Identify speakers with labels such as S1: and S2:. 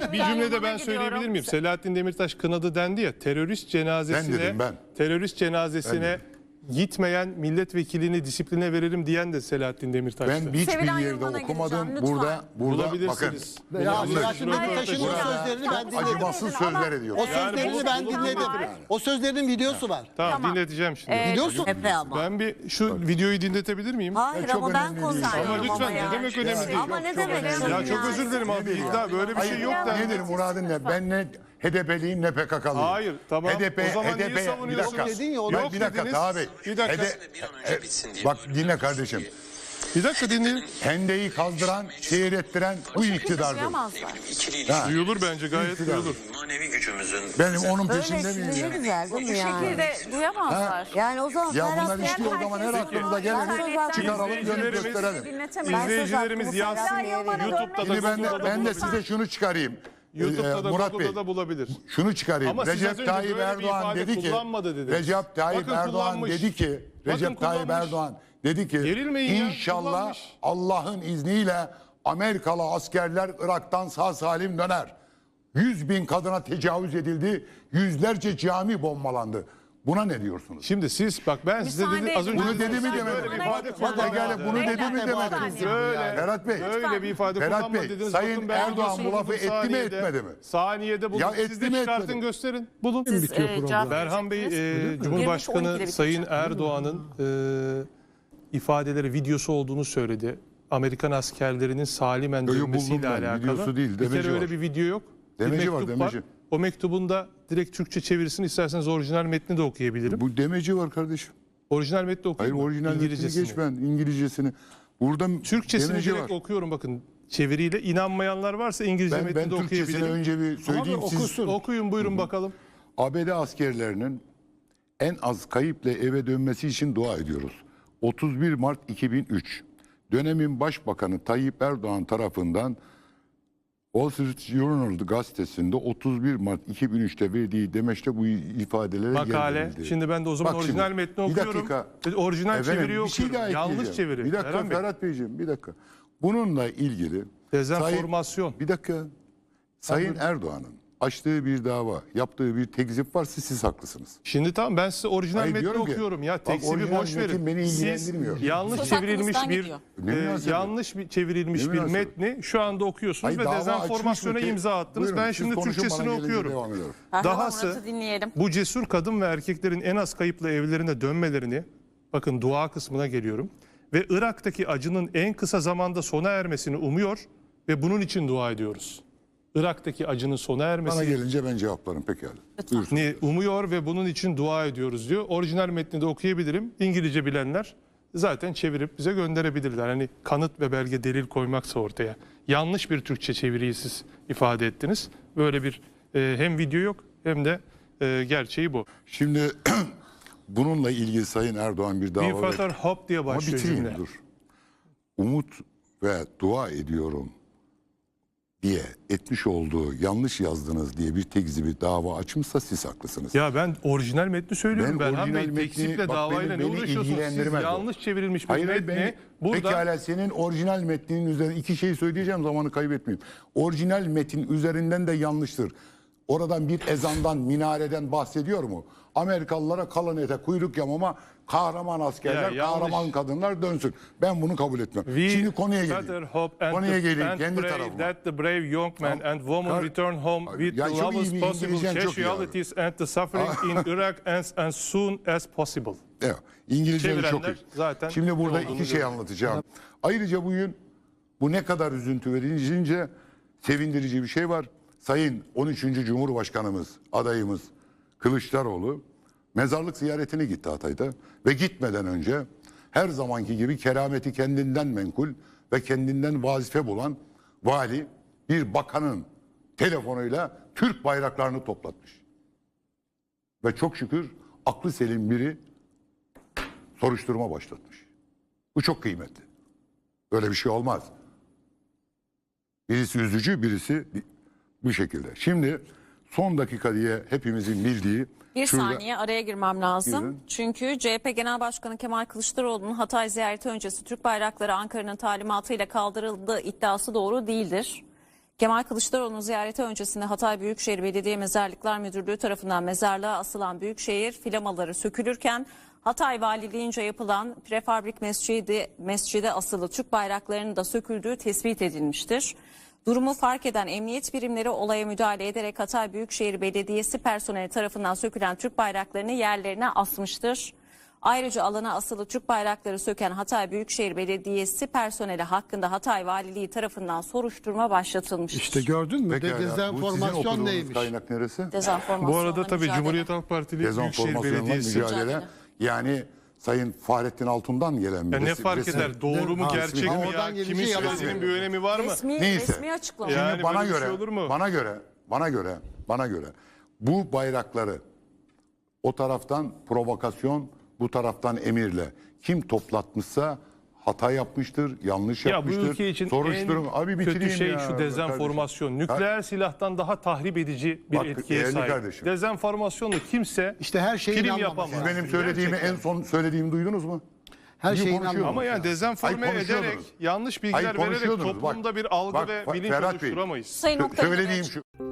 S1: bir cümlede ben söyleyebilir miyim? Selahattin Demirtaş kınadı dendi ya, terörist cenazesine terörist cenazesine gitmeyen milletvekilini disipline verelim diyen de Selahattin Demirtaş'tı.
S2: Ben hiçbir yerde okumadım. Burada bakın.
S3: Selahattin Demirtaş'ın o sözlerini ben dinledim.
S2: Acımasız sözler ediyor.
S3: O sözlerini ben dinledim. O sözlerin videosu var.
S1: Tamam, dinleteceğim şimdi.
S3: Biliyorsun.
S4: Ama.
S1: Ben şu videoyu dinletebilir miyim?
S4: Hayır ama ben konuşuyorum.
S1: Ama lütfen,
S4: ya.
S1: ne demek önemli değil.
S4: Ama ne demek?
S1: Ya çok özür dilerim abi. İddia böyle bir şey yok da.
S2: Nedir muradın ne? Ben ne HDP'liyim ne PKK'lıyım.
S1: Hayır, tamam. O zaman niye
S2: bir
S1: savunuyorsunuz?
S2: dakika.
S3: Dedin ya,
S1: Yok
S2: Bir dakika
S1: dediniz.
S2: abi.
S1: Bir dakika.
S2: Bak dinle kardeşim.
S1: Bir dakika dinleyin.
S2: Hendeyi kazdıran, şehir ettiren bu iktidardır.
S4: Duyamazlar.
S1: Duyulur bence, gayet duyulur.
S5: Manevi gücümüzün
S2: Benim onun
S4: Öyle
S2: peşinde
S4: şimdi
S2: miyim
S4: ne
S2: ya?
S4: güzel değil mi yani?
S6: şekilde duyamazlar.
S4: Yani o zaman
S2: Ya bunlar
S4: Ferhat
S2: işte o zaman her aklımıza geleni çıkaralım, dönüp gösterelim.
S1: İzleyicilerimiz yazsın. YouTube'da
S2: Şimdi
S1: da
S2: ben de size şunu çıkarayım.
S1: YouTube'da da
S2: Murat Bey,
S1: Google'da da bulabilir.
S2: şunu çıkarayım.
S1: Ama siz az
S2: Recep
S1: önce
S2: Tayyip
S1: böyle bir
S2: Erdoğan
S1: ifade
S2: dedi ki
S1: kullanmadı dediniz.
S2: Recep Tayyip
S1: Bakın
S2: Erdoğan
S1: kullanmış.
S2: dedi ki Recep Tayyip
S1: kullanmış.
S2: Erdoğan dedi ki
S1: Gerilmeyin ya,
S2: inşallah
S1: kullanmış.
S2: Allah'ın izniyle Amerikalı askerler Irak'tan sağ salim döner. 100.000 kadına tecavüz edildi. Yüzlerce cami bombalandı. Buna ne diyorsunuz?
S1: Şimdi siz bak ben size dedim az önce
S2: Bunu dedi mi
S1: böyle
S2: demedim?
S1: bir ifade
S2: Pekala bunu dedi mi demedim?
S1: Böyle.
S2: Ferhat Bey.
S1: Böyle bir ifade
S2: Ferhat
S1: kullanma
S2: Bey,
S1: dediniz.
S2: Sayın
S1: Bakın ben
S2: Erdoğan bu
S1: videosunu
S2: lafı
S1: buldum
S2: etti mi,
S1: saniyede.
S2: etmedi mi?
S1: Saniyede buldum.
S2: Ya
S1: Siz
S2: etti
S1: de
S2: mi,
S1: çıkartın
S2: etmedi mi?
S1: gösterin. Bulun.
S6: Berhan
S1: Bey Cumhurbaşkanı Sayın Erdoğan'ın ifadeleri videosu olduğunu söyledi. Amerikan askerlerinin salimen
S2: Yo,
S1: dönmesiyle
S2: buldum ben.
S1: alakalı.
S2: Videosu değil,
S1: Bir
S2: demeci
S1: kere öyle
S2: var.
S1: bir video yok.
S2: Demeci
S1: bir
S2: var,
S1: mektup
S2: demeci.
S1: var. O mektubun da direkt Türkçe çevirisini isterseniz orijinal metni de okuyabilirim.
S2: Bu demeci var kardeşim.
S1: Orijinal metni
S2: Hayır
S1: okuyayım mı?
S2: orijinal metnini geç ben İngilizcesini. Burada
S1: Türkçesini
S2: demeci
S1: direkt
S2: var.
S1: okuyorum bakın. Çeviriyle inanmayanlar varsa İngilizce
S2: Ben
S1: metni de
S2: Türkçesini
S1: okuyabilirim.
S2: önce bir söyleyeyim. Siz
S1: Okuyun buyurun bakalım.
S2: ABD askerlerinin en az kayıpla eve dönmesi için dua ediyoruz. 31 Mart 2003 dönemin Başbakanı Tayyip Erdoğan tarafından Wall Street Journal gazetesinde 31 Mart 2003'te verdiği demeçte bu ifadelere
S1: Makale.
S2: yer verildi.
S1: Şimdi ben de o zaman
S2: Bak
S1: orijinal
S2: şimdi,
S1: metni
S2: bir
S1: okuyorum.
S2: dakika.
S1: Orijinal
S2: Efendim,
S1: çeviriyi
S2: bir şey
S1: okuyorum.
S2: daha
S1: Yanlış
S2: ekleyeceğim.
S1: çeviri.
S2: Bir dakika
S1: Erhan Bey.
S2: Ferhat Beyciğim bir dakika. Bununla ilgili
S1: Dezenformasyon.
S2: bir dakika. Sayın Erdoğan'ın açtığı bir dava, yaptığı bir tekzip varsa siz haklısınız.
S1: Şimdi tamam ben size orijinal
S2: Hayır,
S1: metni
S2: diyorum ki,
S1: okuyorum ya.
S2: bak,
S1: Tekzibi
S2: orijinal
S1: boş
S2: metin
S1: verin.
S2: beni
S1: Siz
S2: ilgilendirmiyor.
S1: yanlış
S4: Söz
S1: çevrilmiş
S4: hakkınızdan
S1: bir
S4: gidiyor.
S2: Ne münasebet?
S1: yanlış bir çevrilmiş
S2: Ne
S1: bir
S2: münasebet?
S1: metni şu anda okuyorsunuz
S2: Hayır,
S1: ve
S2: dava
S1: dezenformasyona
S2: açmış mı?
S1: imza attınız.
S2: Buyurun,
S1: Ben
S2: siz
S1: şimdi
S2: konuşun,
S1: Türkçesini
S2: bana gelince
S1: okuyorum.
S2: devam ediyorum.
S1: Dahası
S6: Murat'ı dinleyelim.
S1: bu cesur kadın ve erkeklerin en az kayıpla evlerine dönmelerini, bakın dua kısmına geliyorum, ve Irak'taki acının en kısa zamanda sona ermesini umuyor ve bunun için dua ediyoruz. Irak'taki acının sona
S2: Bana
S1: ermesini
S2: gelince ben cevaplarım pekala. Buyursun.
S1: umuyor ve bunun için dua ediyoruz diyor. Orijinal metni de okuyabilirim. İngilizce bilenler zaten çevirip bize gönderebilirler. Hani kanıt ve belge delil koymaksa ortaya. Yanlış bir Türkçe çeviriyi siz ifade ettiniz. Böyle bir hem video yok hem de gerçeği bu.
S2: Şimdi bununla ilgili Sayın Erdoğan bir dava
S1: Bir fatar hop diye
S2: Ama
S1: başlıyor
S2: bitireyim
S1: cümle.
S2: dur. Umut ve dua ediyorum diye etmiş olduğu yanlış yazdınız diye bir tekzibi dava açmışsa siz haklısınız.
S1: Ya ben orijinal metni söylüyorum.
S2: Ben
S1: Berhan Bey
S2: orijinal metni-
S1: teksiple
S2: bak
S1: davayla ne
S2: beni
S1: uğraşıyorsunuz? Siz
S2: ilgilendirmez o.
S1: yanlış çevrilmiş bir
S2: Hayır
S1: metni
S2: ben
S1: burada...
S2: pekala senin orijinal metninin üzerine iki şey söyleyeceğim zamanı kaybetmeyeyim. Orijinal metin üzerinden de yanlıştır. Oradan bir ezandan, minareden bahsediyor mu? Amerikalılara kalın ete kuyruk yamama, kahraman askerler,
S1: Ya, yanlış.
S2: kahraman kadınlar dönsün. Ben bunu kabul etmem.
S1: We
S2: Şimdi konuya
S1: better
S2: geleyim.
S1: hope and
S2: Konuya geleyim
S1: and
S2: kendi
S1: pray
S2: tarafıma.
S1: that the brave young man and woman return home with
S2: Ya
S1: the
S2: çok iyi
S1: lowest
S2: bir
S1: possible
S2: İngilizcen çok iyi abi.
S1: casualties and the suffering in Iraq as soon as possible.
S2: Evet, İngilizce çok iyi.
S1: Çevirenler zaten
S2: Şimdi burada
S1: ne olduğunu
S2: iki şey
S1: görüyor.
S2: anlatacağım. Ayrıca bugün bu ne kadar üzüntü verince sevindirici bir şey var. Sayın 13. Cumhurbaşkanımız, adayımız Kılıçdaroğlu mezarlık ziyaretine gitti Hatay'da ve gitmeden önce her zamanki gibi kerameti kendinden menkul ve kendinden vazife bulan vali bir bakanın telefonuyla Türk bayraklarını toplatmış. Ve çok şükür aklı selim biri soruşturma başlatmış. Bu çok kıymetli. Böyle bir şey olmaz. Birisi üzücü, birisi bu şekilde. Şimdi son dakika diye hepimizin bildiği...
S6: Bir
S2: şurada-
S6: saniye araya girmem lazım.
S2: Buyurun.
S6: Çünkü CHP Genel Başkanı Kemal Kılıçdaroğlu'nun Hatay ziyareti öncesi Türk bayrakları Ankara'nın talimatıyla kaldırıldığı iddiası doğru değildir. Kemal Kılıçdaroğlu'nun ziyareti öncesinde Hatay Büyükşehir Belediye Mezarlıklar Müdürlüğü tarafından mezarlığa asılan Büyükşehir flamaları sökülürken Hatay Valiliğince yapılan prefabrik mescide asılı Türk bayraklarının da söküldüğü tespit edilmiştir. Durumu fark eden emniyet birimleri olaya müdahale ederek Hatay Büyükşehir Belediyesi personeli tarafından sökülen Türk bayraklarını yerlerine asmıştır. Ayrıca alana asılı Türk bayrakları söken Hatay Büyükşehir Belediyesi personeli hakkında Hatay Valiliği tarafından soruşturma başlatılmıştır.
S3: İşte gördün mü?
S2: Pekala, bu sizin
S3: Dezenformasyon
S2: okuduğunuz
S3: neymiş?
S2: kaynak neresi?
S6: Dezenformasyonla
S1: Bu arada tabii
S6: mücadele.
S1: Cumhuriyet Halk Partili Büyükşehir
S2: Dezenformasyonla
S1: Belediyesi.
S2: mücadele. Yani Sayın Fahrettin Altun'dan gelen bir
S1: Ya ne fark eder? Doğru mu, gerçek mi
S3: Oradan
S1: ya?
S3: gelince
S1: Kimin
S3: yalan
S1: söylediğinin bir
S3: söylüyor.
S1: önemi var mı?
S2: Neyse.
S6: Resmi açıklama.
S1: Ya-
S2: Şimdi
S1: Yani böyle bir şey olur mu?
S2: Bana göre bu bayrakları o taraftan provokasyon, bu taraftan emirle kim toplatmışsa hata yapmıştır, yanlış
S1: Ya bu
S2: yapmıştır.
S1: ülke için
S2: Soruşturun.
S1: en
S2: Abi
S1: kötü
S2: bitireyim
S1: şey
S2: ya,
S1: şu dezenformasyon. Nükleer silahtan daha tahrip edici bir
S2: Bak,
S1: etkiye
S2: değerli
S1: sahip.
S2: kardeşim.
S1: Dezenformasyonla kimse
S3: İşte her şeye
S1: prim
S3: inanmamak
S1: yapamaz.
S3: lazım.
S2: Benim söylediğimi
S1: Gerçekten.
S2: en son söylediğimi duydunuz mu?
S3: Her
S2: Bugün
S3: şeyin
S2: konuşuyorduk.
S1: Ama yani dezenforme
S2: Hayır,
S1: ederek,
S2: konuşuyordunuz.
S1: yanlış bilgiler
S2: Hayır,
S1: vererek
S2: konuşuyordunuz.
S1: toplumda
S2: Bak,
S1: bir algı
S2: bak,
S1: ve bilinç
S2: Ferhat Bey,
S1: oluşturamayız.
S6: Sayın Oktay
S2: Söylediğim
S6: Demirci.
S2: şu.